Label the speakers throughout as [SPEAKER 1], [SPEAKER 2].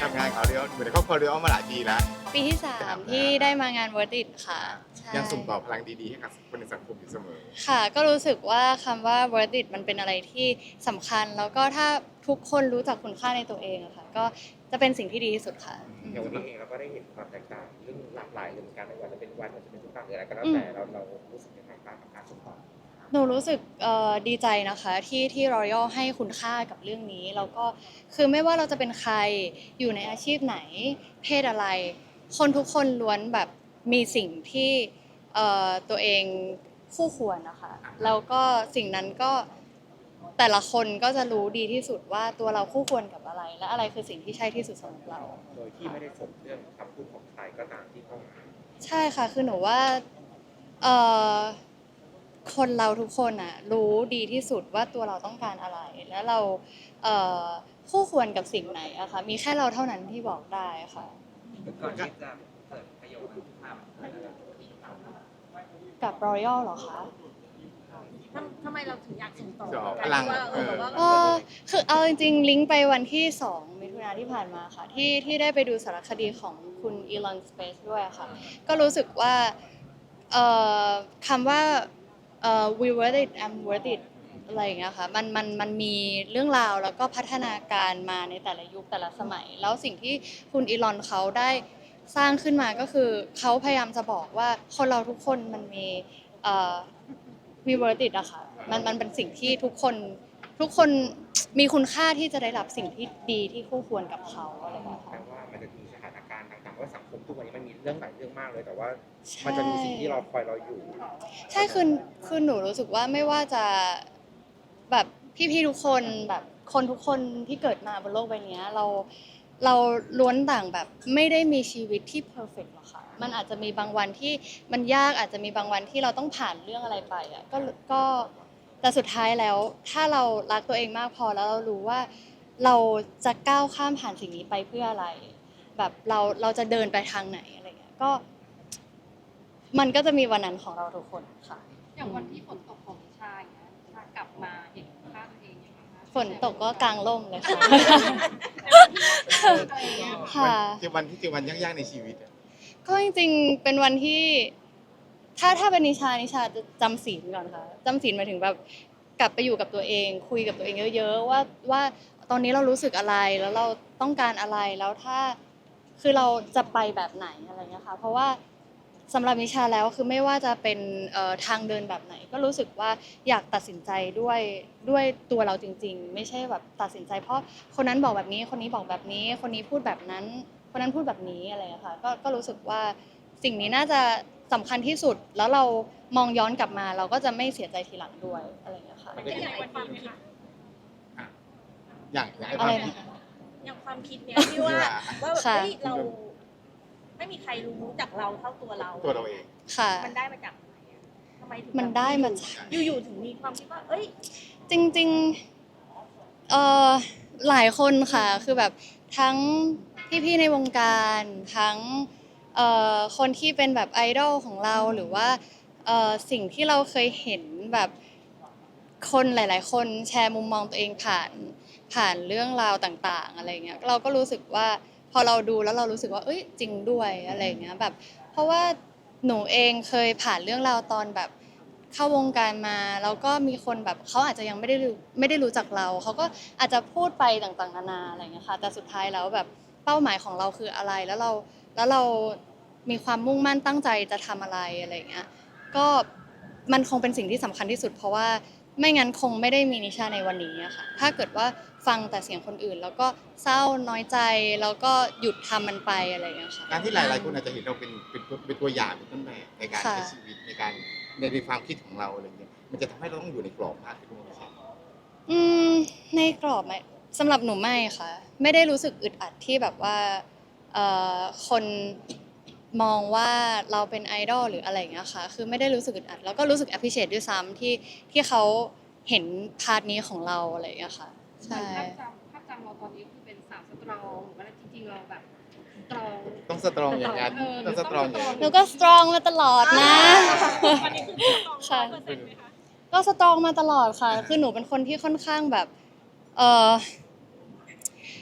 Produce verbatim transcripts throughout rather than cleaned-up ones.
[SPEAKER 1] ทำงานเขาเรียกเหมือนครอบครัวเรียกมาหลายปีแล้ว
[SPEAKER 2] ปีที่สามที่ได้มางาน Worth It ค่ะใช่
[SPEAKER 1] ยังส่งต่อพลังดีๆให้กับคนในสังคมอยู่เสมอ
[SPEAKER 2] ค่ะก็รู้สึกว่าคำว่า Worth It มันเป็นอะไรที่สำคัญแล้วก็ถ้าทุกคนรู้จักคุณค่าในตัวเองอะค่ะก็จะเป็นสิ่งที่ดีที่สุดค่ะ
[SPEAKER 3] อย่างวันนี้เองเราก็ได้เห็นความแตกต่างเรื่องหลากหลายเรื่องการไม่ว่าจะเป็นวันหรือจะเป็นทุกต่างหรืออะไรก็แล้วแต่เราเรารู้สึกยังไงบ้างกับการส่งต่อ
[SPEAKER 2] หนูรู้สึกเอ่อดีใจนะคะที่ที่ Royal ให้คุณค่ากับเรื่องนี้แล้วก็คือไม่ว่าเราจะเป็นใครอยู่ในอาชีพไหนเพศอะไรคนทุกคนล้วนแบบมีสิ่งที่เอ่อตัวเองคู่ควรนะคะแล้วก็สิ่งนั้นก็แต่ละคนก็จะรู้ดีที่สุดว่าตัวเราคู่ควรกับอะไรและอะไรคือสิ่งที่ใช่ที่สุดสำหรับเรา
[SPEAKER 3] โดยที่ไม่ได้สนเรื่องคำพูดของใครก็ตามที่เข้ามา
[SPEAKER 2] ใช่ค่ะคือหนูว่าเอ่อคนเราทุกคนอ่ะรู้ดีที่สุดว่าตัวเราต้องการอะไรแล้วเราเอ่อคู่ควรกับสิ่งไหนอะค่ะมีแค่เราเท่านั้นที่บอกได้ค่ะ
[SPEAKER 3] ก่อนที่จะเกิดประโยชน์ขึ้นมา
[SPEAKER 2] กับ Royal เหรอคะ
[SPEAKER 4] ทำทำไมเราถึงอยากส่งต่อ
[SPEAKER 1] ส่งต่อ
[SPEAKER 4] กัน
[SPEAKER 1] พลัง
[SPEAKER 4] ว่าเออแบบว่า
[SPEAKER 2] เออคือเอาจริงๆลิงก์ไปวันที่สองมิถุนายนที่ผ่านมาค่ะที่ที่ได้ไปดูสารคดีของคุณอีลอนสเปซด้วยค่ะก็รู้สึกว่าเอ่อคำว่าเอ่อ we worth it I'm worth it อะไรอย่างเงี้ยค่ะมันมันมันมีเรื่องราวแล้วก็พัฒนาการมาในแต่ละยุคแต่ละสมัย แล้วสิ่งที่คุณอีลอนเขาได้สร้างขึ้นมาก็คือเขาพยายามจะบอกว่าคนเราทุกคนมันมีเอ่อ we worth it อะค่ะมันมันเป็นสิ่งที่ทุกคนทุกคนมีคุณค่าที่จะได้รับสิ่งที่ดีที่คู่ควรกับเขาอะไรแบบนี้
[SPEAKER 3] แปลว่ามันจะมีสถานการณ์ต่างๆว่าสังคมทุกวันนี้มันมีเรื่องหลายเรื่องมากเลยแต่ว่า
[SPEAKER 2] ใช่
[SPEAKER 3] มันจะมีสิ่งที่เราคอยเราอยู่
[SPEAKER 2] ใช่คือคือหนูรู้สึกว่าไม่ว่าจะแบบพี่ๆทุกคนแบบคนทุกคนที่เกิดมาบนโลกใบนี้เราเราล้วนต่างแบบไม่ได้มีชีวิตที่เพอร์เฟกต์หรอกค่ะมันอาจจะมีบางวันที่มันยากอาจจะมีบางวันที่เราต้องผ่านเรื่องอะไรไปอ่ะก็ก็แต่สุดท้ายแล้วถ้าเรารักตัวเองมากพอแล้วเรารู้ว่าเราจะก้าวข้ามผ่านสิ่งนี้ไปเพื่ออะไรแบบเราเราจะเดินไปทางไหนอะไรเงี้ยก็มันก็จะมีวันนั้นของเราทุกคนค่ะ
[SPEAKER 5] อย่างวันที่ฝนตกของนิชาอย่างเงี้ยนิชากลับมาเห็นค่าตัวเองยังไงคะ
[SPEAKER 2] ฝนตกก็กลางร่มเลยค่ะ
[SPEAKER 5] อะไรอย่างเงี้ย
[SPEAKER 2] ค่ะ
[SPEAKER 1] เจอวันที่เจอวันยากๆในชีวิตอะ
[SPEAKER 2] ก็จริงๆ เป็นวันที่ ถ้าถ้าเป็นนิชานิชาจะจำศีลก่อนค่ะจำศีลหมายถึงแบบกลับไปอยู่กับตัวเอง คุยกับตัวเองเยอะๆว่าว่าตอนนี้เรารู้สึกอะไรแล้วเราต้องการอะไรแล้วถ้าคือเราจะไปแบบไหนอะไรเงี้ยค่ะเพราะว่าสำหรับนิชาแล้วคือไม่ว่าจะเป็นเอ่อทางเดินแบบไหน ก็รู้สึกว่าอยากตัดสินใจด้วยด้วยตัวเราจริงๆ ไม่ใช่แบบตัดสินใจ เพราะคนนั้นบอกแบบนี้คนนี้บอกแบบนี้ คนนี้พูดแบบนั้น คนนั้นพูดแบบนี้อะไรอย่างเงี้ยค่ะก็ก็รู้สึกว่าสิ่งนี้น่าจะสำคัญที่สุดแล้วเรามองย้อนกลับมาเราก็จะไม่เสียใจทีหลังด้วยอะไรอย่างเงี้ยค่ะ
[SPEAKER 1] มันก็
[SPEAKER 4] อ
[SPEAKER 1] จะ
[SPEAKER 4] ย่างความคิด
[SPEAKER 1] อ่ะอย่างอย่างไอ้ค
[SPEAKER 2] อะ
[SPEAKER 1] วา
[SPEAKER 2] ไร
[SPEAKER 1] มคิด
[SPEAKER 2] นะคะ
[SPEAKER 4] อย่างความคิดเนี้ยที่ว่าว่าแบบ
[SPEAKER 2] ค่ะ
[SPEAKER 4] เฮ้ยเราไม่มีใครรู้จักเราเท่าตัวเรา
[SPEAKER 1] ตัวเราเอง
[SPEAKER 2] ค่ะ
[SPEAKER 4] มันได้มาจากไหนอะทำไมถึง
[SPEAKER 2] มันได้มาจาก
[SPEAKER 4] อยู่ๆถึงมีความคิดว่าเอ้ย
[SPEAKER 2] จริงๆเอ่อหลายคนค่ะคือแบบทั้งพี่ๆในวงการทั้งเอ่อคนที่เป็นแบบไอดอลของเราหรือว่าเอ่อสิ่งที่เราเคยเห็นแบบคนหลาย ๆ คนแชร์มุมมองตัวเองผ่านผ่านเรื่องราวต่างๆอะไรเงี้ยเราก็รู้สึกว่าพอเราดูแล้วเรารู้สึกว่าเอ้ยจริงด้วยอะไรเงี้ยแบบเพราะว่าหนูเองเคยผ่านเรื่องราวตอนแบบ เข้าวงการมาแล้วก็มีคนแบบเขาอาจจะยังไม่ได้รู้ไม่ได้รู้จักเราเขาก็อาจจะพูดไปต่างๆนานาอะไรอย่างเงี้ยค่ะแต่สุดท้ายแล้วแบบเป้าหมายของเราคืออะไรแล้วเราแล้วเรามีความมุ่งมั่นตั้งใจจะทำอะไรอะไรอย่างเงี้ยก็มันคงเป็นสิ่งที่สำคัญที่สุด เพราะว่าไม่งั้นคงไม่ได้มีนิชาในวันนี้อะค่ะถ้าเกิดว่าฟังแต่เสียงคนอื่น แล้วก็เศร้าน้อยใจแล้วก็หยุดทำมันไปอะไรอย่างเงี้ยค่ะ
[SPEAKER 1] การที่หลายๆคนอาจจะเห็นเราเป็นเป็นตัวเป็นตัวอย่างเป็นต้นแบบในการใช้ชีวิตในการในในความคิดของเราอะไรเงี้ยมันจะทำให้เราต้องอยู่ในกรอบมากขึ้นใช่ไหม
[SPEAKER 2] อืมในกรอบไหมสำหรับหนูไม่ค่ะ ไม่ได้รู้สึกอึดอัดที่แบบว่าเอ่อคนมองว่าเราเป็นไอดอลหรืออะไรอย่างเงี้ยค่ะคือไม่ได้รู้สึกอึดอัดแล้วก็รู้สึก appreciate ด้วยซ้ำที่ที่เขาเห็นพาร์ทนี้ของเราอะไรอย่างเงี้ยค่ะใช่
[SPEAKER 5] ภาพจำภาพจำเราตอนนี้คือเป็นสาวสตรองหรือว่าจริงๆเราแบบสตรอง
[SPEAKER 1] ต้องสตรองอย่างนั้น
[SPEAKER 5] เออ
[SPEAKER 1] ต้องสตรองอย่างนั้น
[SPEAKER 2] หนูก็สตรองมาตลอดนะ
[SPEAKER 4] วันนี้คือสตรองร้อยเปอร์เซ็นต์ไหมคะ
[SPEAKER 2] ก็สตรองมาตลอดค่ะ คือหนูเป็นคนที่ค่อนข้างแบบ เออ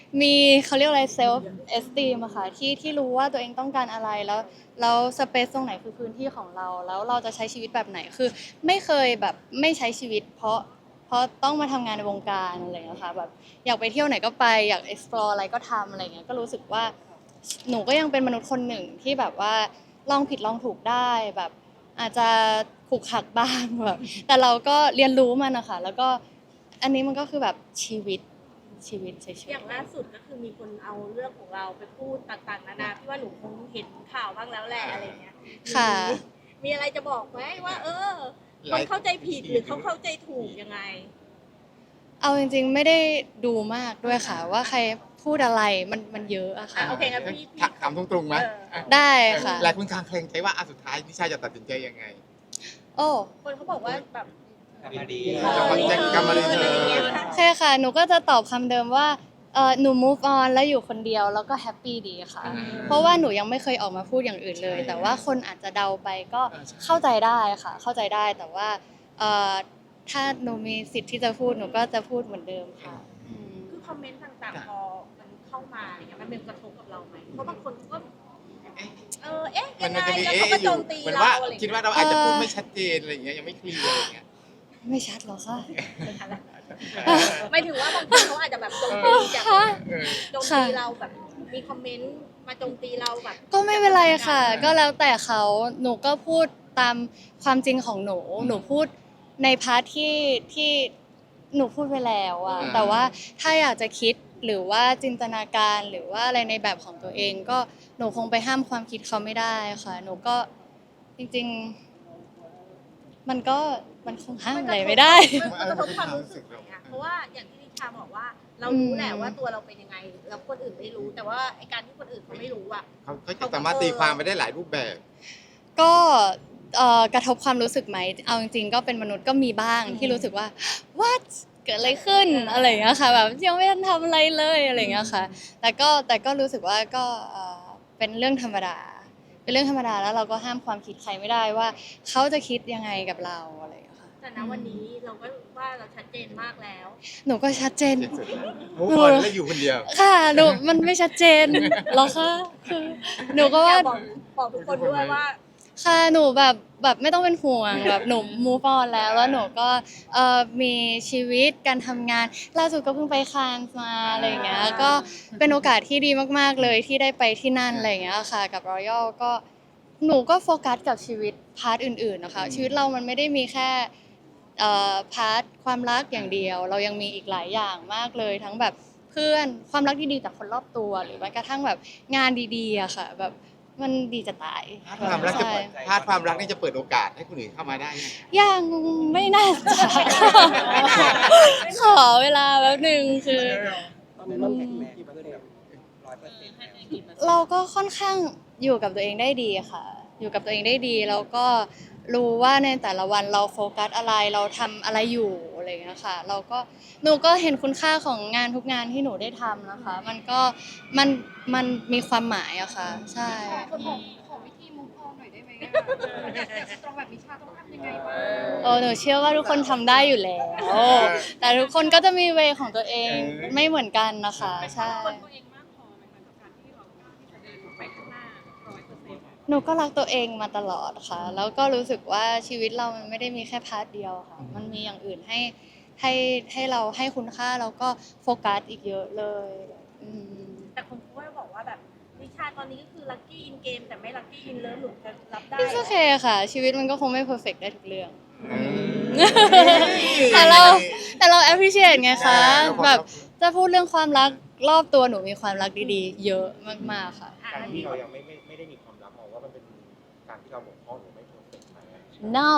[SPEAKER 2] มีเขาเรียกอะไรเซลฟ์เอสติมอะค่ะที่ที่รู้ว่าตัวเองต้องการอะไรแล้วแล้วสเปซตรงไหนคือพื้นที่ของเรา แล้วเราจะใช้ชีวิตแบบไหนคือไม่เคยแบบไม่ใช้ชีวิต เพราะเพราะต้องมาทำงานในวงการอะไรอย่างเงี้ยค่ะแบบอยากไปเที่ยวไหนก็ไปอยาก explore อะไรก็ทำอะไรเงี้ยก็รู้สึกว่าหนูก็ยังเป็นมนุษย์คนหนึ่งที่แบบว่าลองผิดลองถูกได้แบบอาจจะขลุกขลักบ้างแบบแต่เราก็เรียนรู้มันนะคะแล้วก็อันนี้มันก็คือแบบชีวิตชีวิตเฉยๆ
[SPEAKER 4] อย่างล่าสุดก็คือมีคนเอาเรื่องของเราไปพูดต่างๆนานาพี่ว่าหนูคงเห็นข่าวบ้างแล้วแหละอะไรเงี้ย
[SPEAKER 2] ค่ะ
[SPEAKER 4] มีมีอะไรจะบอกไหมว่า เออคนเข้าใจผิดหรือเขาเข้าใจถูกยังไง
[SPEAKER 2] เอาจริงๆไม่ได้ดูมากด้วยค่ะ ว่าใครพูดอะไรมันมันเยอะอะ
[SPEAKER 4] อ่ะ
[SPEAKER 2] ค่ะ
[SPEAKER 4] โอเคงั้นพี่พี่
[SPEAKER 1] ถามตรงๆไหม
[SPEAKER 4] เออ
[SPEAKER 2] ได้ค่ะ
[SPEAKER 1] หลายคนคลางแคลงใจว่าอ่ะสุดท้ายนิชาจะตัดสินใจยังไง
[SPEAKER 2] โอ้
[SPEAKER 4] คนเขาบอกว่าแบบ
[SPEAKER 3] กลับมาดี
[SPEAKER 4] เออ
[SPEAKER 1] กลับมาดี
[SPEAKER 4] อะไรอย่างเงี้ย
[SPEAKER 2] โอเคค่ะ หนูก็จะตอบคำเดิมว่าเออหนู move on แล้วอยู่คนเดียวแล้วก็แฮปปี้ดีค่ะ
[SPEAKER 1] อืม
[SPEAKER 2] เพราะว่าหนูยังไม่เคยออกมาพูดอย่างอื่นเลย แต่ว่าคนอาจจะเดาไปก็เข้าใจได้ค่ะ เข้าใจได้แต่ว่าเอ่อถ้าหนูมีสิทธิ์ที่จะพูดหนูก็จะพูดเหมือนเดิมค่ะอืม
[SPEAKER 4] คือคอมเมนต์ต่างๆพอมันเข้ามาอะไรเงี้ยมันเป็นกระทบกับเราไหมเพราะบางคนก็เออเอ๊ะ
[SPEAKER 1] มั
[SPEAKER 4] ยั
[SPEAKER 1] น
[SPEAKER 4] ง
[SPEAKER 1] มัน
[SPEAKER 4] ไง
[SPEAKER 1] จะมี
[SPEAKER 4] แล้ว
[SPEAKER 1] เอ๊ะ
[SPEAKER 4] เขาก็
[SPEAKER 1] อ
[SPEAKER 4] โจ
[SPEAKER 1] ยู่
[SPEAKER 4] มตี
[SPEAKER 1] เหมือน
[SPEAKER 4] เรา
[SPEAKER 1] ว่า
[SPEAKER 4] อะไร
[SPEAKER 1] คิด
[SPEAKER 4] เงี้ย
[SPEAKER 1] ว่าเราอาจจะพูดไม่ชัดเจนอะไรอย่างเงี้ยยังไม่เคลียร์อะไรอย่างเงี้ย
[SPEAKER 2] ไม่ชัดหรอคะ
[SPEAKER 4] ไม่ถึงว่าบางคนเขาอาจจะแบบโจมตีจาก
[SPEAKER 2] ค่ะ
[SPEAKER 1] เออ
[SPEAKER 4] โจมตีเราแบบมีคอมเมนต์มาโจมตีเราแบบ
[SPEAKER 2] ก็ไม่เป็นไรค่ะ ก็แล้วแต่เขาหนูก็พูดตามความจริงของหนู หนูพูดในพาร์ทที่ที่หนูพูดไปแล้วอะ
[SPEAKER 1] อืม
[SPEAKER 2] แต่ว่าถ้าอยากจะคิดหรือว่าจินตนาการหรือว่าอะไรในแบบของตัวเอง ก็หนูคงไปห้ามความคิดเขาไม่ได้ค่ะ หนูก็จริงๆ มันก็มันคงห้ามอะไรไม่ได้
[SPEAKER 4] มันกระทบความรู้สึกอย่างเงี้ยเพราะว่าอย่างที่นิชาบอกว่า เรารู้แหละว่าตัวเราเป็นยังไง แล้วคนอื่นไม่รู้ แต่ว่าไอการที่คนอื่นเขาไม่รู้อ่ะ
[SPEAKER 1] เขาเขาจะสามารถตีความไปได้หลายรูปแบบ
[SPEAKER 2] ก็เอ่อกระทบความรู้สึกไหม เอาจริงๆ ก็เป็นมนุษย์ก็มีบ้างที่รู้สึกว่า what เกิดอะไรขึ้นอะไรอย่างเงี้ยค่ะแบบยังไม่ทันทำอะไรเลยอะไรอย่างเงี้ยค่ะ แต่ก็แต่ก็รู้สึกว่าก็เอ่อเป็นเรื่องธรรมดา เป็นเรื่องธรรมดาแล้วเราก็ห้ามความคิดใครไม่ได้ว่าเขาจะคิดยังไงกับเราอะไรอย่างเงี้ยค่ะ
[SPEAKER 4] แต่ณวันนี้เราก็ว่าเราชัดเจนมากแล้ว
[SPEAKER 2] หนูก็ชัดเจน
[SPEAKER 1] เจ็ดสุดแล้วมูฟออนแล้วอยู่คนเดียว
[SPEAKER 2] ค่ะหนูมันไม่ชัดเจนหรอคะคือหนูก็ว่า
[SPEAKER 4] บอกบอกทุกคนด้วยว่า
[SPEAKER 2] ค่ะหนูแบบแบบไม่ต้องเป็นห่วงแบบหนู move on แล้วแล้วหนูก็เอ่อมีชีวิตการทำงานล่าสุดก็เพิ่งไปคานส์มาอะไรอย่างเงี้ยก็เป็นโอกาสที่ดีมากๆเลยที่ได้ไปที่นั่นอะไรอย่างเงี้ยค่ะกับ Royal ก็หนูก็โฟกัสกับชีวิตพาร์ทอื่นๆนะคะชีวิตเรามันไม่ได้มีแค่เอ่อพาร์ทความรักอย่างเดียว เรายังมีอีกหลายอย่างมากเลยทั้งแบบเพื่อนความรักดีๆจากคนรอบตัวหรือแม้กระทั่งแบบงานดีๆอะค่ะแบบมันดีจะตาย
[SPEAKER 1] พาร์ทความรักจะ
[SPEAKER 2] ใช่
[SPEAKER 1] เปิดพาร์ทความรักนี่จะเปิดโอกาสให้คนอื่นเข้ามาได้ไหม
[SPEAKER 2] ยังไม่น่าจะ ขอเวลาแป๊บหนึ่งคือ
[SPEAKER 3] ตอนนี้เราแข็งแรงขึ้นแบบร้อยเปอร์เซ็นต์แล้ว
[SPEAKER 2] เราก็ค่อนข้างอยู่กับตัวเองได้ดีค่ะ อยู่กับตัวเองได้ดีแล้วก็รู้ว่าในแต่ละวันเราโฟกัสอะไรเราทำอะไรอยู่อะไรอย่างเงี้ยค่ะ เราก็หนูก็เห็นคุณค่าของงานทุกงานที่หนูได้ทำนะคะ มันก็มันมันมีความหมายอะค่ะ ใช่
[SPEAKER 5] ขอขอวิธีมุกออนหน่อยได้ไหมอะอยากอยากสตรองแบบนิชาต้องทำยังไงบ้าง
[SPEAKER 2] โอ้หนูเชื่อว่าทุกคนทำได้อยู่แล้ว แต่ทุกคนก็จะมีเวของตัวเองไม่เหมือนกันนะคะ ใช่
[SPEAKER 5] คนตัวเองมากพอไหมคะกับการที่เรากล้าที่จะเดินไปข้างหน้าร้อยเปอร์เซ็นต์
[SPEAKER 2] หนูก็รักตัวเองมาตลอดค่ะ แล้วก็รู้สึกว่าชีวิตเรามันไม่ได้มีแค่พาร์ทเดียวค่ะ มันมีอย่างอื่นให้ให้ให้เราให้คุณค่าแล้วก็โฟกัสอีกเยอะเลยอืม
[SPEAKER 4] แต่คนเขาก็บอกว่าแบบนิชาตอนนี้ก็คือลัคกี้อินเกมแต่ไม่ลัคกี้อินเลิฟหนูจะรับได้
[SPEAKER 2] It's okay ค่ะ ชีวิตมันก็คงไม่เพอร์เฟกได้ทุกเรื่อง
[SPEAKER 1] อืม
[SPEAKER 2] แต่เราแต่เรา appreciate ไงคะ
[SPEAKER 1] อ่าเราบอก
[SPEAKER 2] แบบจะพูดเรื่องความรักรอบตัวหนูมีความรักดีๆ เยอะมากๆค่ะ
[SPEAKER 4] อ่ะ
[SPEAKER 3] การ
[SPEAKER 4] อัน
[SPEAKER 3] ที่
[SPEAKER 4] นี้
[SPEAKER 3] เรายังไม่ไม่ไม่ได้มีความรักมองว่ามันเป็นการที่เราบกพร่องหรือไม่เพอร์เฟกต์ไหม
[SPEAKER 2] no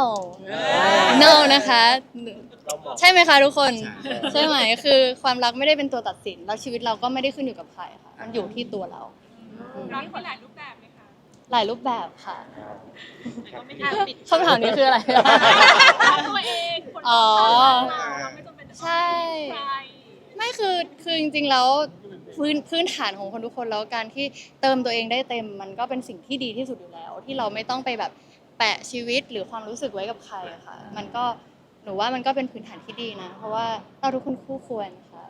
[SPEAKER 2] no นะคะ
[SPEAKER 3] เรามอง
[SPEAKER 2] ใช่ไหมคะทุกคน
[SPEAKER 1] ใช่
[SPEAKER 2] ใช่ไหมคือความรักไม่ได้เป็นตัวตัดสิน แล้วชีวิตเราก็ไม่ได้ขึ้นอยู่กับใครค่ะ มันอยู่ที่ตัวเรา
[SPEAKER 4] รักมีหลายรูปแบบไหมคะ
[SPEAKER 2] หลายรูปแบบค่ะ
[SPEAKER 3] ครับ
[SPEAKER 4] ไม่ได้ปิด
[SPEAKER 2] คำถามนี้คืออะไร
[SPEAKER 4] ตัวเองคน
[SPEAKER 2] อ๋อ
[SPEAKER 4] เราไม่จำเป็นจะต้อง
[SPEAKER 2] ใช่
[SPEAKER 4] ใคร
[SPEAKER 2] ไม่คือคือจริงๆแล้วพื้นพื้นฐานของคนทุกคนแล้วการที่เติมตัวเองได้เต็ม มันก็เป็นสิ่งที่ดีที่สุดอยู่แล้ว ที่เราไม่ต้องไปแบบแปะชีวิตหรือความรู้สึกไว้กับใครค่ะ มันก็หนูว่ามันก็เป็นพื้นฐานที่ดีนะ เพราะว่าเราทุกคนคู่ควรค่ะ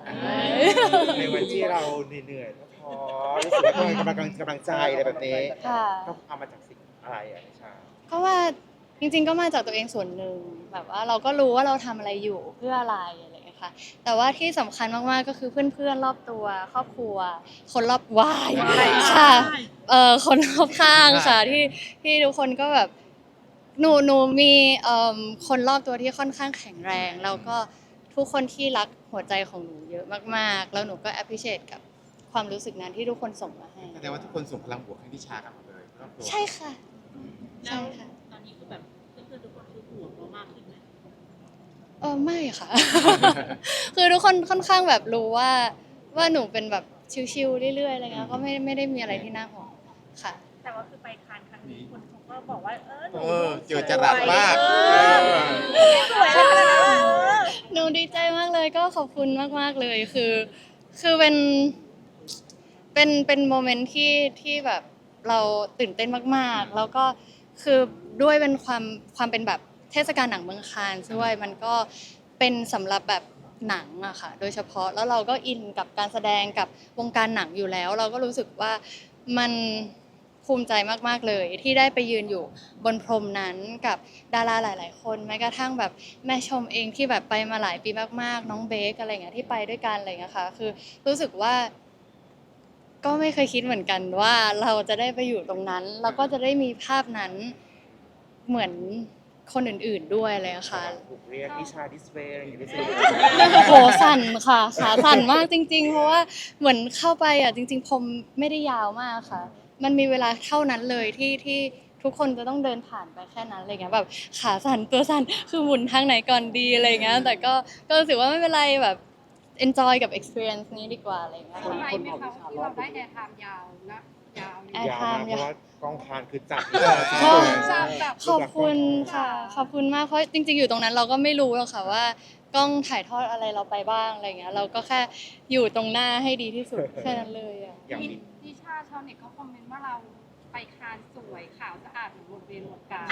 [SPEAKER 3] ในวันที่เราเหนื่อยๆท้อๆรู้สึกว่าต้องการกำลังกำลังใจอะไรแบบนี้
[SPEAKER 2] ค่ะ
[SPEAKER 3] ต้องเอามาจากสิ่งอะไรอ่ะนิชา
[SPEAKER 2] ก็ว่าจริงๆก็มาจากตัวเองส่วนหนึ่งแบบว่าเราก็รู้ว่าเราทำอะไรอยู่เพื่ออะไรอะไรอย่างเงี้ยค่ะแต่ว่าที่สำคัญมากๆก็คือเพื่อนๆรอบตัวครอบครัว คนรอบวายค่ะเอ่อคนรอบข้างค่ะที่ที่ทุกคนก็แบบหนูหนูมีเอ่อคนรอบตัวที่ค่อนข้างแข็งแรงแล้วก็ทุกคนที่รักหัวใจของหนูเยอะมากๆแล้วหนูก็ appreciate กับความรู้สึกนั้นที่ทุกคนส่งมาให้
[SPEAKER 1] แสดงว่าทุกคนส่งพลังบวกให้นิชากันหมดเลยครอบครัว
[SPEAKER 2] ใช่ค่ะใช่ค่ะ
[SPEAKER 4] ตอนนี้คือแบบเพื่อนๆทุกคนคือห่วงเรามากขึ้นไหม
[SPEAKER 2] เออไม่ค่ะ คือทุกคนค่อนข้างแบบรู้ว่าว่าหนูเป็นแบบชิวๆเรื่อยๆอะไรเงี้ยก็ไม่ไม่ได้มีอะไรที่น่าห่วงค่ะ
[SPEAKER 4] แต่ว่าคือไปคานครั้งนี้คนเขาก็บอกว่าเออหนู
[SPEAKER 1] เออเจอจรัสมาก
[SPEAKER 4] เออสวยเลยขนาดนั้นเออ
[SPEAKER 2] หนูดีใจมากเลยก็ขอบคุณมากๆเลยคือ คือเป็นเป็นเป็นโมเมนต์ที่ที่แบบเราตื่นเต้นมากๆ แล้วก็คือด้วยเป็นความความเป็นแบบเทศกาลหนังเมืองคานส์ด้วยมันก็เป็นสำหรับแบบหนังอะค่ะโดยเฉพาะแล้วเราก็อินกับการแสดงกับวงการหนังอยู่แล้ว เราก็รู้สึกว่ามันภูมิใจมากๆเลยที่ได้ไปยืนอยู่บนพรมนั้นกับดาราหลาย ๆ คนแม้กระทั่งแบบแม่ชมเองที่แบบไปมาหลายปีมากๆน้องเบคอะไรเงี้ยที่ไปด้วยกันอะไรเงี้ยค่ะคือรู้สึกว่า ก็ไม่เคยคิดเหมือนกันว่าเราจะได้ไปอยู่ตรงนั้นแล้วก็จะได้มีภาพนั้นเหมือนคนอื่นๆด้วยเลยอะค่ะ
[SPEAKER 3] ถูกเรียกนิชาดิสเวย์อะไรอย่างเงี้ย
[SPEAKER 2] โหสั่นค่ะขาสั่นมากจริง ๆ เพราะว่าเหมือนเข้าไปอ่ะจริง ๆ ผมไม่ได้ยาวมากค่ะ มันมีเวลาเท่านั้นเลยที่ที่ทุกคนจะต้องเดินผ่านไปแค่นั้นอะไรเงี้ยแบบขาสั่นตัวสั่นคือหมุนทางไหนก่อนดีอะไรเงี้ยแต่ก็ก็รู้สึกว่าไม่เป็นไรแบบ enjoy กับ experience นี้ดีกว่าอะไรเงี้ย
[SPEAKER 5] เซอร์
[SPEAKER 2] ค่ะ
[SPEAKER 5] ไพรส์ไหมคะที่เราได้แอร์ไทม์ยาวและยาวเลย
[SPEAKER 2] แอร์
[SPEAKER 3] ยาว
[SPEAKER 2] ไท
[SPEAKER 3] มาก
[SPEAKER 2] ม์
[SPEAKER 3] เพราะว่ากองคานคือจับ
[SPEAKER 2] ก็
[SPEAKER 5] ทราบแบบ
[SPEAKER 2] ขอบคุณค่ะ ขอบคุณมากเพราะจริงๆอยู่ตรงนั้นเราก็ไม่รู้หรอกค่ะว่ากล้องถ่ายทอดอะไรเราไปบ้างอะไรเงี้ยเราก็แค่อยู่ตรงหน้าให้ดีที่สุดแค่นั้นเลยอ่ะ
[SPEAKER 3] อย่างมี
[SPEAKER 5] นิชาชาวเน็ตเขาคอมเมนต์ว่าเราไปคานสวยขาวสะอาดเหมือนบนเวรวงการ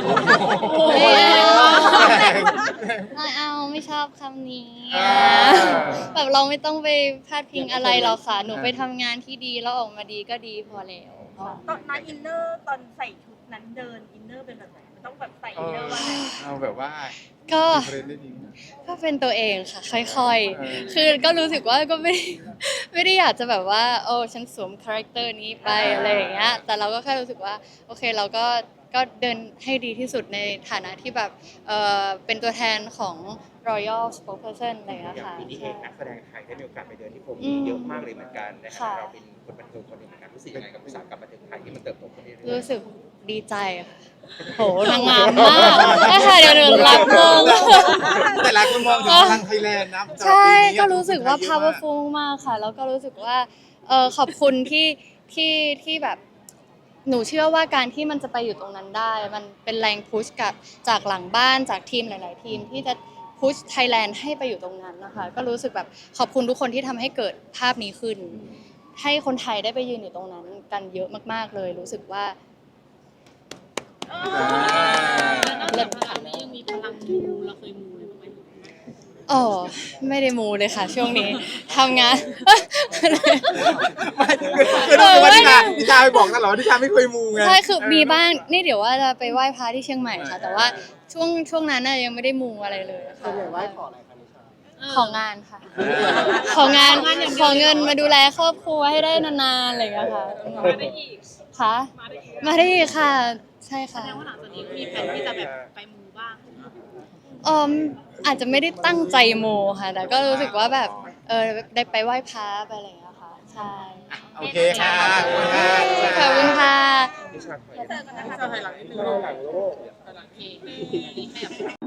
[SPEAKER 2] ไม่เอาไม่ชอบคำนี้
[SPEAKER 1] อ่า
[SPEAKER 2] แบบเราไม่ต้องไปพาดพิงอะไรหรอกค่ะ หนูไปทำงานที่ดีแล้วออกมาดีก็ดีพอแล้วค่ะ
[SPEAKER 4] ตอนนั้นอินเนอร์ตอนใส่ชุดนั้นเดินอินเนอร์เป็นแบบไหนมันต้องแบบใส่อินเนอร์ว่าไง
[SPEAKER 1] เอาแบบว่า
[SPEAKER 2] ก็
[SPEAKER 1] เทรนได้ดีนะ
[SPEAKER 2] ก็เป็นตัวเองค่ะค่อย
[SPEAKER 1] เออ
[SPEAKER 2] ๆ คือก็รู้สึกว่าก็ไม่ได้ไม่ได้อยากจะแบบว่าโอ้ฉันสวมคาแรคเตอร์นี้ไปอะไรอย่างเงี้ย แต่เราก็แค่รู้สึกว่าโอเคเราก็ก็เดินให้ดีที่สุดในฐานะที่แบบเออเป็นตัวแทนของ Royal Spokesperson อะไรอย่างเงี้ย
[SPEAKER 3] อย่าง
[SPEAKER 2] ค่ะ
[SPEAKER 3] ปีนี้เอ
[SPEAKER 2] ใช่
[SPEAKER 3] งนักแสดงไทยได้มีโอกาสไปเดินที่ผม
[SPEAKER 2] อืม
[SPEAKER 3] เยอะมากเลยเหมือนกันนะครั
[SPEAKER 2] ค่ะ
[SPEAKER 3] บเราเป็นคนบันเทิงคนหนึ่งเหมือนกันรู้สึกยังไงกับอุตสาหกรรมบันเทิงไทยที่มันเติบโตขึ้นเรื่อยๆ
[SPEAKER 2] รู้สึกดีใจค่ะโหนางงามมากได้ค่ะเดี๋ยวหนูรับมง
[SPEAKER 1] แต่หลายคนมองถึงพลังไทยแลนด์นะ
[SPEAKER 2] ใช่
[SPEAKER 1] ปีนี้
[SPEAKER 2] ก็รู้สึกว่า
[SPEAKER 1] คนไทยเยอะม
[SPEAKER 2] powerful มากค่ะ แล้วก็รู้สึกว่าเออขอบคุณที่ที่ที่แบบหนูเชื่อว่าการที่มันจะไปอยู่ตรงนั้นได้ มันเป็นแรงพุชกับจากหลังบ้านจากทีมหลาย ๆ ทีมที่จะพุชไทยแลนด์ให้ไปอยู่ตรงนั้นนะคะ ก็รู้สึกแบบขอบคุณทุกคนที่ทำให้เกิดภาพนี้ขึ้น ให้คนไทยได้ไปยืนอยู่ตรงนั้นกันเยอะมาก ๆ เลย รู้สึกว่า
[SPEAKER 4] เลิศพลังนี้ยังมีพลังมูเราเคยมูเลยบ้างไหม
[SPEAKER 2] อ๋อไม่ได้มูเลยค่ะ ช่วงนี้ทำงาน
[SPEAKER 1] ไม่คือคือรู้สึกว่านิชานิชาไปบอกตลอดว่านิชาไม่เคยมูไง
[SPEAKER 2] ใช่คือมีบ้างนี่เดี๋ยวว่าจะไปไหว้พระที่เชียงใหม่ค่ะ แต่ว่าช่วงช่วงนั้นน่ะยังไม่ได้มูอะไรเลยค่ะ
[SPEAKER 6] ส่วนใหญ่ไหว้ขออะไรคะนิชา
[SPEAKER 2] ของานค่ะ ของานของเงินมาดูแลครอบครัวให้ได้นานๆอะไรอย่างเงี้ยค่ะ
[SPEAKER 4] มาได้อีก
[SPEAKER 2] ค่ะ
[SPEAKER 4] มาได้อีก
[SPEAKER 2] มาได้อีกค่ะ ใช่ค่ะ
[SPEAKER 4] แสดงว่าหลังจากนี้มีแผนที่จะแบบไปมูบ้าง
[SPEAKER 2] ออมอาจจะไม่ได้ตั้งใจมูค่ะ แต่ก็รู้สึกว่าแบบเออได้ไปไหว้พระไปอะไรอย่างเงี้ยค่ะ ใช่
[SPEAKER 1] โอเคค่ะขอบคุณค่ะ
[SPEAKER 2] ขอบคุณค่ะ
[SPEAKER 3] นิชาถอย
[SPEAKER 4] เจอกันนะคะ
[SPEAKER 3] หลังนิดนึงหลังโลก
[SPEAKER 4] โอเค